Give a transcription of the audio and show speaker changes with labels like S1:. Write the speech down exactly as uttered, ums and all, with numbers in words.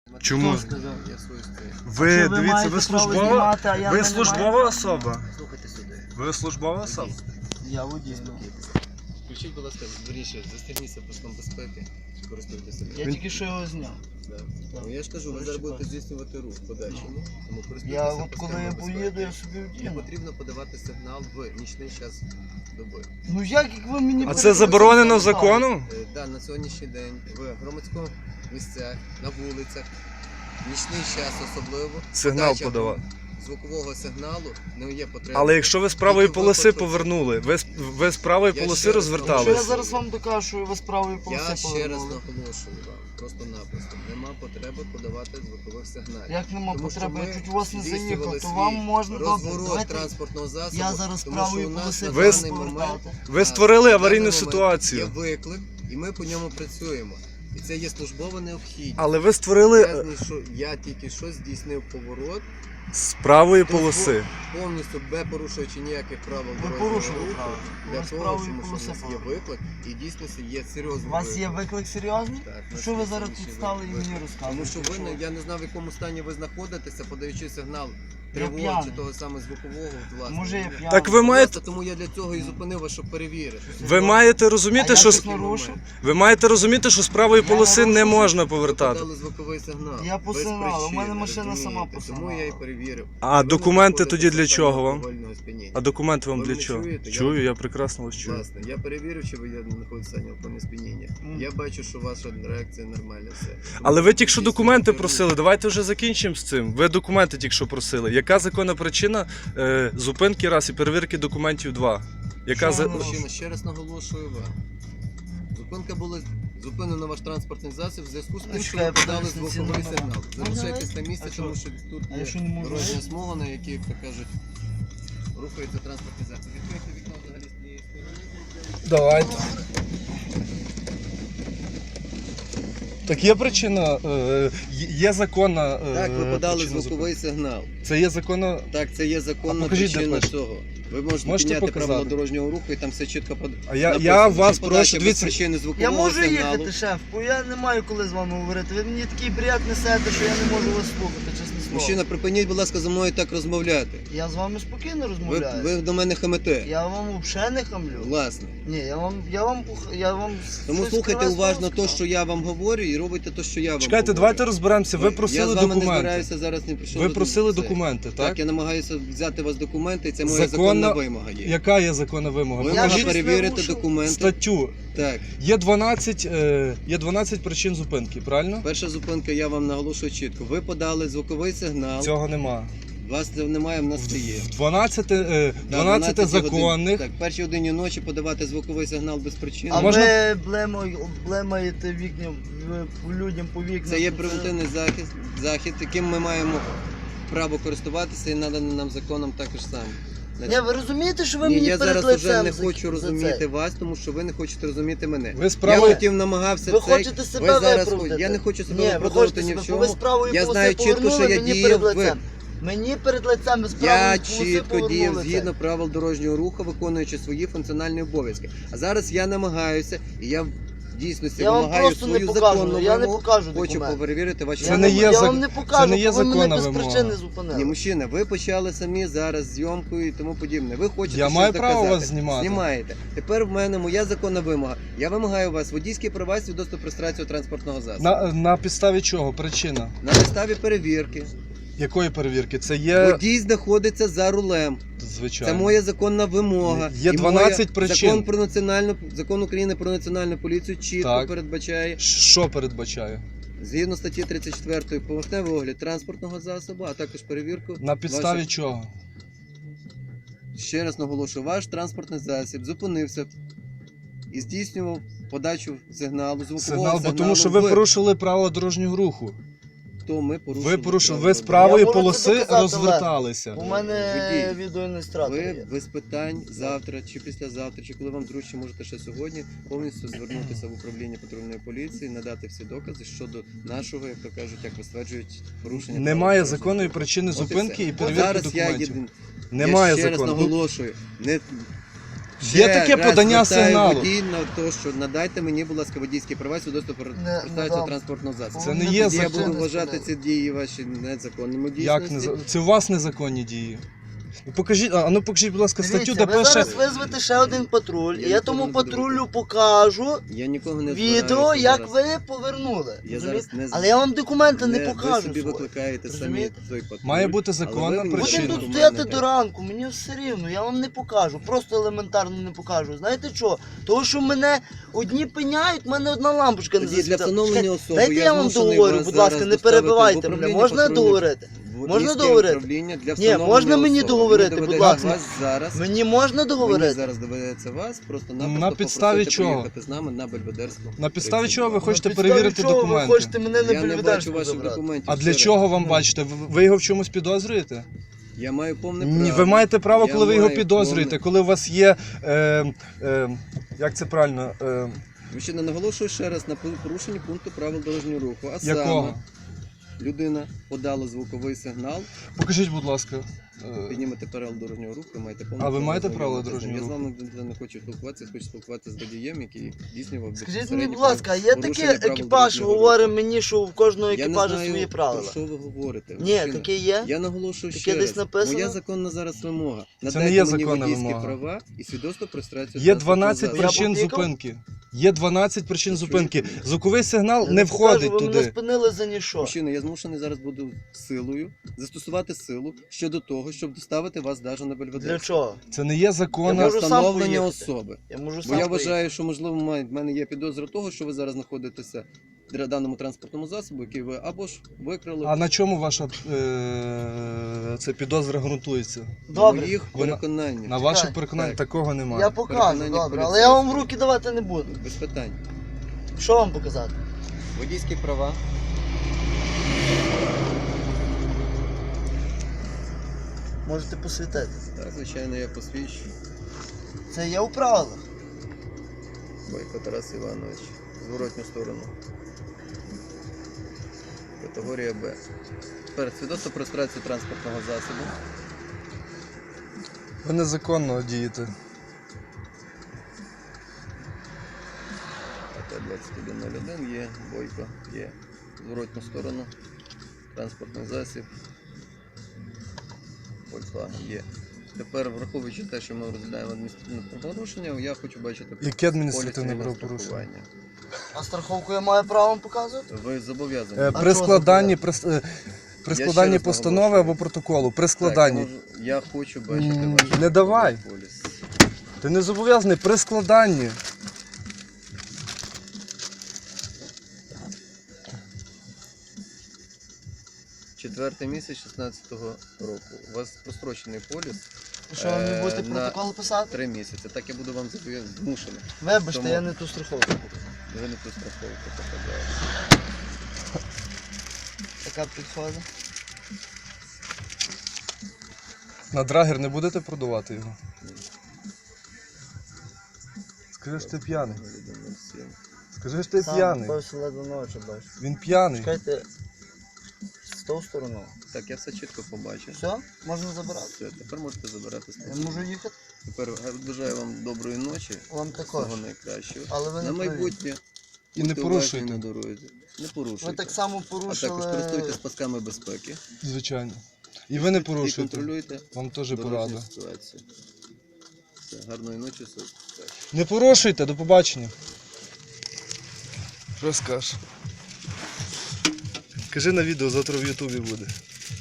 S1: Чому?
S2: Хто сказав? Я свою стою.
S1: Ви,
S3: Що ви
S1: дивіться,
S3: маєте
S1: ви
S3: право
S1: службова,
S3: знімати, а я
S1: ви
S3: не
S1: службова
S3: маю?
S1: особа?
S2: Слухайте сюди.
S1: Ви службова особа?
S3: Я водій. ну.
S2: Включіть, будь ласка, виріше, застегніться паском безпеки, користуйтеся.
S3: Я
S1: Він-
S3: тільки що його зняв.
S2: Да.
S3: Так.
S2: Ну, я ж кажу, ви зараз будете здійснювати рух в подальшому, тому користуйтеся
S3: Я от коли
S2: пасками
S3: я
S2: безпеки.
S3: поїду, я собі
S2: Не
S3: вдіну.
S2: потрібно подавати сигнал в нічний час доби.
S3: Ну як як ви мені
S1: А це
S3: перекрили
S1: заборонено
S3: сигнал?
S1: законом?
S2: Е, Да, на сьогоднішній день в громадському місцях, на вулицях, в нічний час особливо.
S1: Сигнал
S2: подача
S1: подавати.
S2: Звукового сигналу не є потреба.
S1: Але якщо ви з правої
S2: Тільки
S1: полоси
S2: випадку-
S1: повернули, ви, з- ви з правої
S2: Я
S1: полоси
S2: ще раз
S3: Якщо я
S1: розвертались.
S3: зараз вам докажу, що ви з правої полоси
S2: Я ще раз
S3: повернули.
S2: наголошую вам, просто-напросто, нема потреби подавати звукових сигналів.
S3: Як нема
S2: Тому що
S3: потреби,
S2: ми
S3: я чуть у вас не
S2: здійснювали
S3: заїхав, то
S2: свій
S3: вам можна добре.
S2: розворот
S3: Давайте
S2: транспортного засобу.
S3: я зараз з
S2: тому
S3: правої
S2: що у нас
S3: полоси
S2: на
S1: Ви-
S2: даний момент
S3: повертати.
S1: Ви створили
S2: на
S1: аварійну
S2: даний момент
S1: ситуацію.
S2: Є виклик, і ми по ньому працюємо. І це є службова необхідність.
S1: Але ви створили
S2: Я,
S1: е,
S2: знайшов- я тільки що здійснив поворот,
S1: з правої полоси.
S2: повністю без порушуючи ніяких правил
S3: Ви
S2: дорожнього
S3: порушили
S2: руху,
S3: правила. Ви
S2: для
S3: з
S2: того,
S3: правої
S2: тому що у
S3: полоси
S2: нас є
S3: повернули.
S2: виклик, і дійсно є серйозний
S3: У вас є виклик серйозний?
S2: Так, у нас
S3: Що ви
S2: є
S3: зараз
S2: сьогоднішній
S3: тут стали і
S2: виклик.
S3: мені
S2: Тому
S3: розказуєте?
S2: що ви, не- я не знав, в якому стані ви знаходитеся, подаючи сигнал
S3: Я
S2: тривоги чи
S3: п'яний.
S2: того саме звукового, власне.
S3: Може я п'яний?
S1: Так ви маєте,
S2: Тому я для цього і зупинив вас, щоб перевірити.
S1: ви маєте
S3: А
S1: розуміти,
S3: я
S1: що
S3: щось
S1: з-
S3: нарушив?
S1: ви маєте розуміти, що з правої
S3: Я
S1: полоси не
S3: нарушив.
S1: можна
S2: Ви
S1: повертати.
S2: подали звуковий сигнал.
S3: Я по
S2: без
S3: сигналу, у мене
S2: причини,
S3: машина сама
S2: розумієте?
S3: по
S2: Тому я і
S3: сигналу.
S2: перевірив.
S1: А
S2: Ви не
S1: документи
S2: знаходитеся
S1: тоді для
S2: в стані
S1: чого вам?
S2: алкогольного сп'яніння.
S1: А документи вам
S2: Ви
S1: для
S2: мене
S1: чого?
S2: чуєте? Я
S1: Чую,
S2: вам-
S1: я прекрасно вас чую.
S2: Власне, я перевірив, чи ви знаходитесь в стані алкогольного сп'яніння.
S3: Мгм.
S2: Я бачу, що ваша реакція нормальна все. Тому
S1: Але ви тільки що
S2: здійснюйте
S1: документи
S2: рух.
S1: просили, давайте вже закінчимо з цим. Ви документи тільки що просили. Яка законна причина е, зупинки раз і перевірки документів два? Яка
S3: Що
S1: за...
S3: ви
S2: Мужчина, ще раз наголошую вам. Зупинка була зупинено ваш транспортний засіб в зв'язку з тим, що ви
S3: Чекай,
S2: подали
S3: подивіться ці
S2: звуковий
S3: номера.
S2: сигнал. Залишайтесь на
S3: А
S2: місці,
S3: що?
S2: тому що тут
S3: А я що
S2: є
S3: не можу?
S2: дорожня смуга, на якій, як то кажуть, рухається транспортний засіб. Відкрийте вікно взагалі з цієї сторони.
S1: Давайте. Так є причина, е, є законна е,
S2: Так, ви подали
S1: причина
S2: звуковий сигнал.
S1: зупинки. Це є законна...
S2: Так, це є законна
S1: А покажіть, де
S2: причина
S1: пише?
S2: цього. Ви можете,
S1: Можете
S2: підняти
S1: показати?
S2: правила дорожнього руху і там все чітко под...
S1: А я,
S2: написано,
S1: я
S2: що
S1: вас
S2: подача
S1: прошу,
S2: без
S1: дивіться,
S2: причини
S3: Я
S2: звукового
S3: можу
S2: сигналу.
S3: їхати, шеф, бо я не маю коли з вами говорити. Ви мені такий бред несете, що я не можу вас слухати, чесне слово.
S2: Мужчина, припиніть, будь ласка, зі мною так розмовляти.
S3: Я з вами спокійно
S2: Ви,
S3: розмовляю.
S2: ви до мене хамите.
S3: Я вам взагалі не хамлю.
S2: Власне.
S3: Ні, я вам, я вам, пух- я вам
S2: Тому
S3: щось
S2: слухайте
S3: прекрасно
S2: уважно те,
S3: сказав.
S2: що я вам говорю, і робите те, що я вам
S1: чекайте,
S2: говорю.
S1: давайте розберемося. Ви
S2: я
S1: просили
S2: з вами не
S1: документи.
S2: збираюся зараз не прийшов.
S1: Ви
S2: до-
S1: просили
S2: це.
S1: документи,
S2: Так,
S1: так?
S2: я намагаюся взяти у вас документи, і це моя
S1: Законна-
S2: законна вимога є.
S1: Яка є законна вимога?
S2: Ви
S3: Я
S2: можете
S3: щось
S2: перевірити
S3: нарушив?
S2: документи.
S1: Статтю.
S2: Так,
S1: Є дванадцять, е, є дванадцять причин зупинки, правильно?
S2: перша зупинка, я вам наголошую чітко. Ви подали звуковий сигнал,
S1: Цього нема.
S2: вас це немає, в нас це є.
S1: дванадцять, е,
S2: Да,
S1: дванадцять
S2: годин.
S1: законних.
S2: Так, першій годині ночі подавати звуковий сигнал без причини.
S3: А
S1: можна-
S3: ви блемай- блемаєте вікна в- людям по вікнам.
S2: Це є превентивний захід, захід, яким ми маємо право користуватися і наданий нам законом також сам.
S3: Ні, ви розумієте, що ви
S2: Ні,
S3: мені
S2: я
S3: перед
S2: зараз уже
S3: лицем
S2: не
S3: за-
S2: хочу
S3: за
S2: розуміти
S3: це?
S2: вас, тому що ви не хочете розуміти мене.
S1: Ви з
S2: Я
S1: правої...
S2: хотів намагався
S3: Ви
S2: цей-
S3: хочете себе
S2: ви зараз
S3: виправдати.
S2: Я не хочу себе
S3: Ні, ви
S2: виправдати
S3: хочете
S2: ні
S3: себе,
S2: в
S3: бо ви
S2: чому.
S3: з правої
S2: Я
S3: полоси
S2: знаю чітко, що
S3: повернули,
S2: я
S3: мені
S2: діяв
S3: перед
S2: ви.
S3: лицем. Мені перед лицем ви з
S2: Я
S3: правої полоси
S2: чітко діяв
S3: повернули
S2: згідно
S3: це.
S2: правил дорожнього руху, виконуючи свої функціональні обов'язки. А зараз я намагаюся, і я в дійсності
S3: Я вам
S2: вимагаю
S3: просто не
S2: свою
S3: покажу,
S2: законну
S3: я не
S2: вимогу.
S3: покажу
S2: Хочу
S3: документ.
S2: перевірити ваші
S1: Це
S3: Я,
S1: не
S3: не,
S1: є
S3: я
S1: зак-
S3: вам не покажу,
S1: це не є
S3: бо ви мене
S1: законна
S3: без
S1: вимога.
S3: причини
S2: Ні,
S3: зупинили.
S2: мужчина, ви почали самі зараз зйомку і тому подібне. Ви хочете
S1: Я
S2: щось
S1: маю
S2: доказати.
S1: право вас знімати.
S2: Знімаєте. Тепер в мене моя законна вимога. Я вимагаю у вас водійські права свідоцтво про реєстрацію транспортного засобу. На...
S1: На, на підставі чого? Причина?
S2: підставі перевірки.
S1: Якої перевірки? Це є...
S2: Водій знаходиться за рулем.
S1: Звичайно.
S2: Це моя законна вимога.
S1: Є
S2: І
S1: дванадцять
S2: моя...
S1: причин.
S2: Закон про національну закон України про національну поліцію чітко
S1: Так.
S2: передбачає,
S1: Що передбачає?
S2: згідно статті тридцять четвертої, поверхневий огляд транспортного засобу, а також перевірку.
S1: На підставі
S2: ваших-
S1: чого?
S2: Ще раз наголошую, ваш транспортний засіб зупинився і здійснював подачу сигналу, звукового
S1: Сигнал,
S2: сигналу.
S1: бо тому що ви
S2: в-
S1: порушили правила дорожнього руху.
S2: То ми порушили.
S1: Ви порушили,
S2: правила
S1: ви з
S2: дорожнього
S1: правої
S3: Я можу це
S1: полоси
S3: доказати,
S1: розверталися.
S3: У мене
S2: Водій.
S3: відеоілюстратор
S2: Ви
S3: є.
S2: без питань завтра чи післязавтра, чи коли вам зручно, можете ще сьогодні повністю звернутися в управління патрульної поліції, надати всі докази щодо нашого, як то кажуть, як ви стверджують, порушення.
S1: Немає
S2: правил дорожнього
S1: законної
S2: руху.
S1: причини
S2: От і
S1: зупинки
S2: все.
S1: і
S2: От
S1: перевірки
S2: зараз
S1: документів.
S2: Я, єдин-
S1: Немає
S2: я ще раз
S1: закону.
S2: наголошую, не
S1: Є
S2: Ще
S1: таке
S2: раз
S1: подання
S2: звертаю
S1: сигналу.
S2: водій на те, що надайте мені, будь ласка, водійські права, свідоцтво про
S3: Не- не
S2: реєстрацію
S3: дам.
S2: транспортного засобу.
S1: Це не
S3: Повинна
S1: є
S2: Тоді я
S1: закон.
S2: буду вважати ці дії ваші незаконними в
S1: Як
S2: дійсності.
S1: не це у вас незаконні дії? Покажіть, а ну покажіть, будь ласка, статтю,
S3: Дивіться,
S1: де
S3: ви
S1: пише.
S3: зараз визвете ще один патруль,
S2: Я
S3: і я
S2: нікого
S3: тому
S2: не буду
S3: патрулю покажу
S2: Я нікого не
S3: відео,
S2: збираюся
S3: як
S2: зараз.
S3: ви повернули.
S2: Я
S3: Розумієте?
S2: зараз не з-
S3: Але я вам документи не,
S2: Не,
S3: покажу.
S2: ви собі
S3: свої.
S2: викликаєте самі
S3: Розумієте?
S2: той патруль.
S1: Має бути
S2: але
S1: законна
S2: ви мені
S1: причина.
S3: Будемо
S2: документи
S3: тут стояти
S2: дайте.
S3: до ранку, мені все рівно, я вам не покажу, просто елементарно не покажу. Знаєте що? Тому що мене одні пиняють, в мене одна лампочка не
S2: Тоді для
S3: засвітила.
S2: встановлення
S3: Чекайте,
S2: особи
S3: Дайте я, вам
S2: змушений
S3: договорю,
S2: вас
S3: будь ласка,
S2: зараз
S3: не
S2: доставити в
S3: перебивайте мене.
S2: управління
S3: Можна
S2: патрульних-
S3: договорити?
S2: Водійське
S3: Можна договорити?
S2: управління для
S3: Ні,
S2: встановлення
S3: можна мені
S2: особи.
S3: договорити,
S2: Мені
S3: будь
S2: доведеться
S3: ласка.
S2: вас зараз.
S3: Мені можна
S2: Мені
S3: договорити?
S2: зараз доведеться вас просто-напросто
S1: На підставі
S2: попросити
S1: чого?
S2: приїхати з нами на Бельведерську.
S1: На підставі
S2: тридцять
S1: чого ви
S2: два.
S1: хочете
S3: На підставі
S1: перевірити
S3: чого
S1: документи?
S3: Ви хочете мене на
S2: Я не бачу
S3: Бельведерську
S2: ваших
S3: забрати?
S2: документів.
S1: А
S2: ще
S1: для
S2: раз.
S1: чого вам
S3: Ну.
S1: бачите? Ви ви його в чомусь підозрюєте?
S2: Я маю повне
S1: Ні,
S2: право.
S1: ви маєте право,
S2: Я
S1: коли ви його
S2: маю
S1: підозрюєте,
S2: повне-
S1: коли у вас є. Е, е, як це правильно? Е,
S2: Мужчина, наголошую ще раз на порушенні пункту правил дорожнього руху. А
S1: якого?
S2: саме, людина подала звуковий сигнал,
S1: Покажіть, будь ласка. Е,
S2: піднімете правила дорожнього руху, ви маєте повне
S1: А ви
S2: право
S1: маєте
S2: ознайомитися
S1: правила
S2: з ним.
S1: дорожнього
S2: Я з вами не хочу спілкуватися, хочу спілкуватися з водієм, який здійснював
S3: Скажіть мені,
S2: безпосередньо
S3: будь ласка, є
S2: порушення
S3: такий
S2: правил
S3: екіпаж,
S2: дорожнього
S3: говорить
S2: руху.
S3: мені, що в кожного
S2: Я не
S3: екіпажу
S2: знаю,
S3: свої
S2: про
S3: правила.
S2: що ви говорите.
S3: Ні,
S2: мужчина.
S3: таке є.
S2: Я наголошую
S3: Таке
S2: ще
S3: десь
S2: раз.
S3: написано?
S2: Моя законна зараз вимога.
S1: Це
S2: Надайте
S1: не є
S2: мені
S1: законна
S2: водійські
S1: вимога.
S2: права і свідоцтво про реєстрацію
S1: Є
S2: транспортного
S1: дванадцять
S2: засобу.
S1: причин
S3: Я попікав?
S1: зупинки. Є дванадцять причин
S2: Ви
S1: зупинки.
S2: чуєте мене?
S1: Звуковий сигнал
S3: Я
S1: не
S3: покажу,
S1: входить
S3: ви мене
S1: туди.
S3: спинили за ніщо.
S2: Мужчина, я змушений зараз буду силою застосувати силу щодо того, щоб доставити вас навіть на Бельведер.
S3: Для чого?
S1: Це не є
S3: Я
S1: законна.
S2: Для
S3: можу сам
S2: встановлення
S3: поїхати.
S2: особи.
S3: Я можу
S2: Бо
S3: сам
S2: я
S3: поїхати.
S2: вважаю, що можливо має- в мене є підозра того, що ви зараз знаходитеся в даному транспортному засобу, який ви або ж викрали.
S1: А на чому ваша е, це підозра ґрунтується?
S3: Добре,
S2: моїх
S1: Вона-
S2: переконань.
S1: На ваших
S3: Так,
S1: переконаннях
S2: так.
S1: такого немає.
S3: я покажу,
S2: Переконання
S3: добре, але я вам в
S2: поліцейського.
S3: руки давати не буду.
S2: Без питань.
S3: Що вам показати?
S2: Водійські права.
S3: Можете посвітити.
S2: Так, звичайно, я посвідчу.
S3: Це є у правилах.
S2: Бойко Тарас Іванович. Зворотню сторону. Категорія Б. Тепер свідоцтво про реєстрацію транспортного засобу.
S1: Ви незаконно дієте.
S2: АТ двадцять один нуль один є, Бойко є. Зворотню сторону. Транспортний засіб. Volkswagen є. Тепер, враховуючи те, що ми розглядаємо адміністративне правопорушення, я хочу бачити
S1: Яке адміністративне
S2: поліс цивільного
S1: правопорушення?
S2: страхування.
S3: А страховку я маю право вам показувати?
S2: Ви зобов'язані.
S1: Е,
S3: А
S1: При
S3: чого
S1: складанні, при, с- е, при
S2: ще
S1: складанні
S2: раз
S1: постанови
S2: наголошую.
S1: або протоколу, при
S2: Так,
S1: складанні.
S2: я, можу- я хочу бачити
S1: М,
S2: ваш
S1: не давай.
S2: поліс.
S1: Ти не зобов'язаний при складанні.
S2: Четвертий місяць шістнадцятого року. У вас прострочений поліс
S3: Що ви мені
S2: Е,
S3: будете
S2: на-
S3: протокол писати?
S2: три місяці. Так я буду вам зобов'язаний. Змушений.
S3: Вибачте,
S2: Тому-
S3: я не ту страховку.
S2: Ви не ту страховку показали.
S3: Така підходить.
S1: На драгер не будете продавати його? Скажи, що ти п'яний. Скажи, що ти
S3: Сам
S1: п'яний.
S3: бався ледве ночі бачу.
S1: Він п'яний.
S3: Чекайте, з тою стороною.
S2: Так, я все чітко побачив.
S3: Все? Можна забирати?
S2: Все, тепер можете забирати
S3: Я
S2: спокійно.
S3: можу їхати?
S2: Тепер бажаю вам доброї ночі.
S3: Вам також.
S2: Всього найкращого.
S3: Але ви не
S2: На
S3: праві.
S2: майбутнє.
S1: І не
S2: будьте
S1: порушуйте.
S2: уважні на дорозі. Не порушуйте.
S3: Ви так само
S2: А також
S3: порушили.
S2: користуйтесь пасками безпеки.
S1: Звичайно. І ви не
S2: І
S1: порушуєте.
S2: контролюйте
S1: Вам теж
S2: дорожню
S1: порада.
S2: ситуацію. Все, гарної ночі, все.
S1: Не порушуйте, до побачення. Що скажеш? Кажи на відео, завтра в Ютубі буде.